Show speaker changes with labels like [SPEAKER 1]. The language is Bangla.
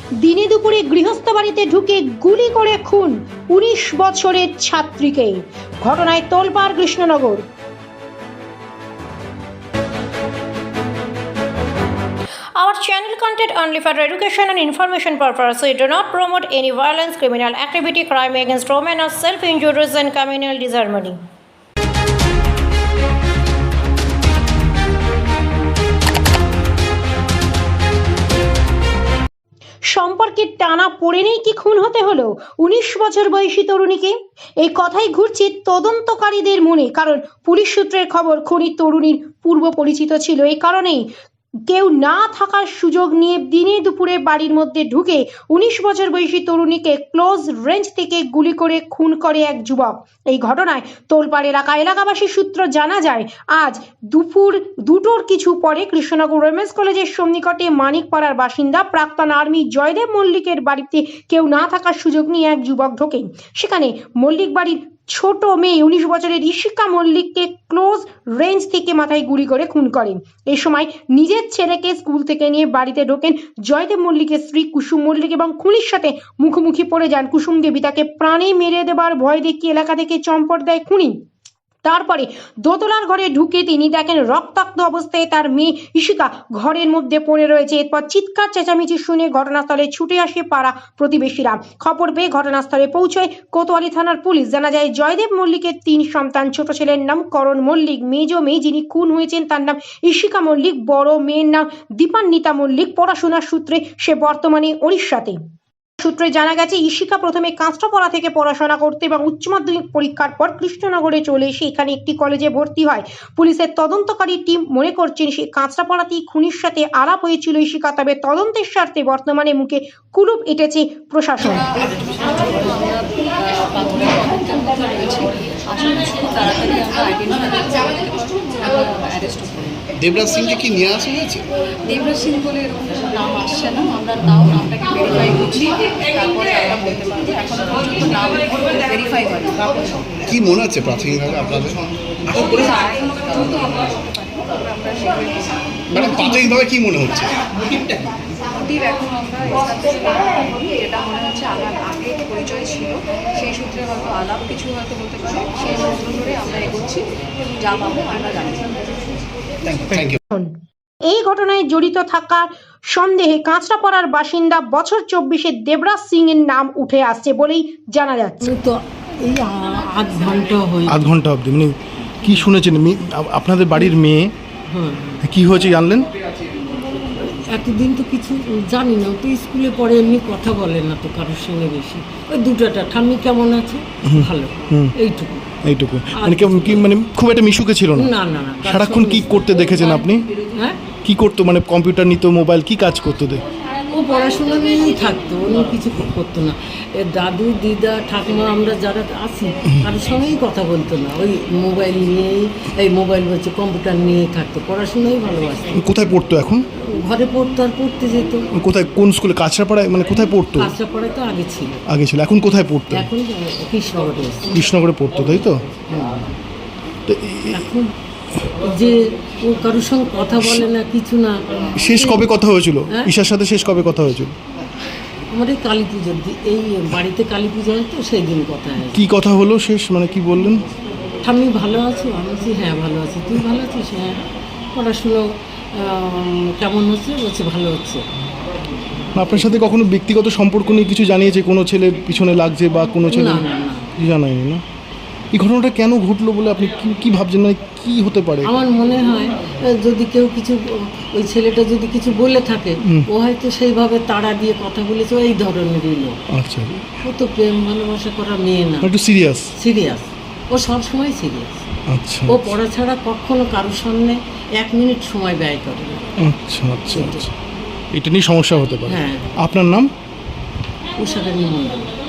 [SPEAKER 1] দিনে দুপুরে গৃহস্থ বাড়িতে ঢুকে গুলি করে খুন ১৯ বছরের ছাত্রীকে। ঘটনায় তোলপাড় Krishnanagar. Our channel content only for education and information purpose. We do not promote any violence, criminal activity, crime against women, or self-injuries and communal disharmony. সম্পর্কের টানা পড়ে নেই কি খুন হতে হলো ১৯ বছর বয়সী তরুণীকে? এই কথাই ঘুরছে তদন্তকারীদের মনে, কারণ পুলিশ সূত্রের খবর খুনি তরুণীর পূর্ব পরিচিত ছিল। এই কারণেই কেউ না থাকার সুযোগ নিয়ে দিনে দুপুরে বাড়ির মধ্যে ঢুকে ১৯ বছর বয়সী তরুণীকে ক্লোজ রেঞ্জ থেকে গুলি করে খুন করে এক যুবক। এই ঘটনায় তোলপাড় এলাকাবাসীর সূত্র জানা যায়, আজ দুপুর ২টোর কিছু পরে কৃষ্ণনগর ওমেন্স কলেজের সন্নিকটে মানিকপাড়ার বাসিন্দা প্রাক্তন আর্মি জয়দেব মল্লিকের বাড়িতে কেউ না থাকার সুযোগ নিয়ে এক যুবক ঢোকেন। সেখানে মল্লিক বাড়ির ছোট মেয়ে ১৯ বছরের ঈশিকা মল্লিককে ক্লোজ রেঞ্জ থেকে মাথায় গুলি করে খুন করেন। এই সময় নিজের ছেলেকে স্কুল থেকে নিয়ে বাড়িতে ঢোকেন জয়দেব মল্লিকের স্ত্রী কুসুম মল্লিক এবং খুনির সাথে মুখোমুখি পড়ে যান কুসুম দেবী। তাকে প্রাণে মেরে দেবার ভয় দেখিয়ে এলাকা থেকে চম্পট দেয় খুনি। তারপরে দোতলার ঘরে ঢুকে তিনি দেখেন রক্তাক্ত অবস্থায় তার মেয়ে ঈশিকা ঘরের মধ্যে পড়ে রয়েছে। এরপর চিৎকার চেঁচামেচি শুনে ঘটনাস্থলে ছুটে আসে পাড়া প্রতিবেশীরা। খবর পেয়ে ঘটনাস্থলে পৌঁছয় কোতোয়ালি থানার পুলিশ। জানা যায়, জয়দেব মল্লিকের ৩ সন্তান। ছোট ছেলের নাম করণ মল্লিক, মেজ মেয়ে যিনি খুন হয়েছেন তার নাম ঈশিকা মল্লিক, বড় মেয়ের নাম দীপান্বিতা মল্লিক। পড়াশোনার সূত্রে সে বর্তমানে ওড়িশাতে। সূত্রে জানা গেছে, ঈশিকা প্রথমে কাঁচরাপাড়া থেকে পড়াশোনা করতে এবং উচ্চ মাধ্যমিক পরীক্ষার পর কৃষ্ণনগরে চলে এসে এখানে একটি কলেজে ভর্তি হয়। পুলিশের তদন্তকারী টিম মনে করছেন সে কাঁচরাপাড়াতেই খুনির সাথে আলাপ হয়েছিল ঈশিকা। তবে তদন্তের স্বার্থে বর্তমানে মুখে কুলুপ এঁটেছে প্রশাসন।
[SPEAKER 2] দেবরাজ সিংকে কি নিয়ে আসা হয়েছে?
[SPEAKER 3] দেবরাজ সিং বলে এরকম নাম আসছে না, আমরা তাও নামটাকে ভেরিফাই করছি, তারপরে আমরা বলতে পারবো। এখন পর্যন্ত নাম ভেরিফাই হয়নি।
[SPEAKER 2] কি মনে হচ্ছে প্রাথমিকভাবে আপনাদের? মানে প্রাথমিকভাবে কি মনে হচ্ছে?
[SPEAKER 3] মোটিভ এখন আমরা এটা মনে হচ্ছে আমার আগে পরিচয় ছিল, সেই সূত্রে হয়তো আলাপ কিছু হয়তো হতে পারে, সেই সূত্র ধরে আমরা এগোচ্ছি, যা পাবো আমরা জানছি।
[SPEAKER 2] Thank you.
[SPEAKER 1] এই ঘটনায় জড়িত থাকার সন্দেহে কাঁচরাপাড়ার বাসিন্দা বছর ২৪-এর দেবরাজ সিং এর নাম উঠে আসছে বলেই জানা যাচ্ছে।
[SPEAKER 4] তো এই আধ ঘন্টা অবধি মানে কি শুনেছেন? আপনাদের বাড়ির মেয়ে কি হয়েছে জানলেন?
[SPEAKER 5] এতদিন তো কিছু জানি না, তো স্কুলে পড়ে, এমনি কথা বলে না তো কারোর সঙ্গে বেশি। ওই দুটাটা ঠাম্মি কেমন আছে, ভালো, এইটুকু।
[SPEAKER 4] মানে কি মানে খুব একটা মিশুকে ছিল না?
[SPEAKER 5] না না না।
[SPEAKER 4] সারাক্ষণ কি করতে দেখেছেন আপনি?
[SPEAKER 5] হ্যাঁ,
[SPEAKER 4] কি করতো? মানে কম্পিউটার নিত, মোবাইল, কি কাজ করতো?
[SPEAKER 5] ও পড়াশোনা নিয়েই থাকতো, অন্য কিছু করতো না। দাদু দিদা ঠাকুমা আমরা যারা আছি কারোর সঙ্গেই কথা বলতো না, ওই মোবাইল নিয়েই, এই মোবাইল বলছে কম্পিউটার নিয়েই থাকতো, পড়াশোনাই ভালোবাসতো।
[SPEAKER 4] কোথায় পড়তো এখন?
[SPEAKER 5] ঘরে পড়তো আর পড়তে যেত।
[SPEAKER 4] কোথায়, কোন স্কুলে? কাঁচরাপাড়ায়? মানে কোথায় পড়তো?
[SPEAKER 5] কাঁচরাপাড়ায় তো আগে ছিল।
[SPEAKER 4] এখন কোথায় পড়তো?
[SPEAKER 5] এখন কৃষ্ণনগরে।
[SPEAKER 4] কৃষ্ণনগরে পড়তো, তাই তো? তো
[SPEAKER 5] এখন যে ও কারোর সঙ্গে কথা বলে না, কিছু না।
[SPEAKER 4] শেষ কবে কথা হয়েছিল ঈশার সাথে? শেষ কবে কথা হয়েছিল?
[SPEAKER 5] আমার এই কালী পুজোর এই বাড়িতে কালী পুজো হয় তো, সেই দিন কথা হয়।
[SPEAKER 4] কি কথা হলো শেষ, মানে কি বললেন?
[SPEAKER 5] ঠাম্মি ভালো আছো? আমি বলছি হ্যাঁ ভালো আছি। তুই ভালো আছিস? হ্যাঁ। পড়াশুনো কেমন হচ্ছে? বলছে ভালো হচ্ছে।
[SPEAKER 4] আপনার সাথে কখনো ব্যক্তিগত সম্পর্ক নিয়ে কিছু জানিয়েছে? কোনো ছেলের পিছনে লাগছে বা কোনো ছেলে?
[SPEAKER 5] না।
[SPEAKER 4] কিছু জানায়নি না? এই ঘটনাটা কেন ঘটলো বলে আপনি কি ভাবছেন? মানে কি হতে পারে?
[SPEAKER 5] আমার মনে হয় যদি কেউ কিছু, ওই ছেলেটা যদি কিছু বলে থাকে, ও হয়তো সেইভাবে তাড়া দিয়ে কথা বলেছে, এই ধরনেরই লোক।
[SPEAKER 4] আচ্ছা,
[SPEAKER 5] ও তো প্রেম ভালোবাসা করা মেয়ে না,
[SPEAKER 4] একটু সিরিয়াস।
[SPEAKER 5] ও সবসময় সিরিয়াস।
[SPEAKER 4] আচ্ছা,
[SPEAKER 5] ও পড়া ছাড়া কখনো কারোর সামনে 1 মিনিট সময় ব্যয় করে না।
[SPEAKER 4] আচ্ছা, এটা নিয়ে সমস্যা হতে পারে।
[SPEAKER 5] হ্যাঁ।
[SPEAKER 4] আপনার নাম?
[SPEAKER 5] উষারানী মণ্ডল।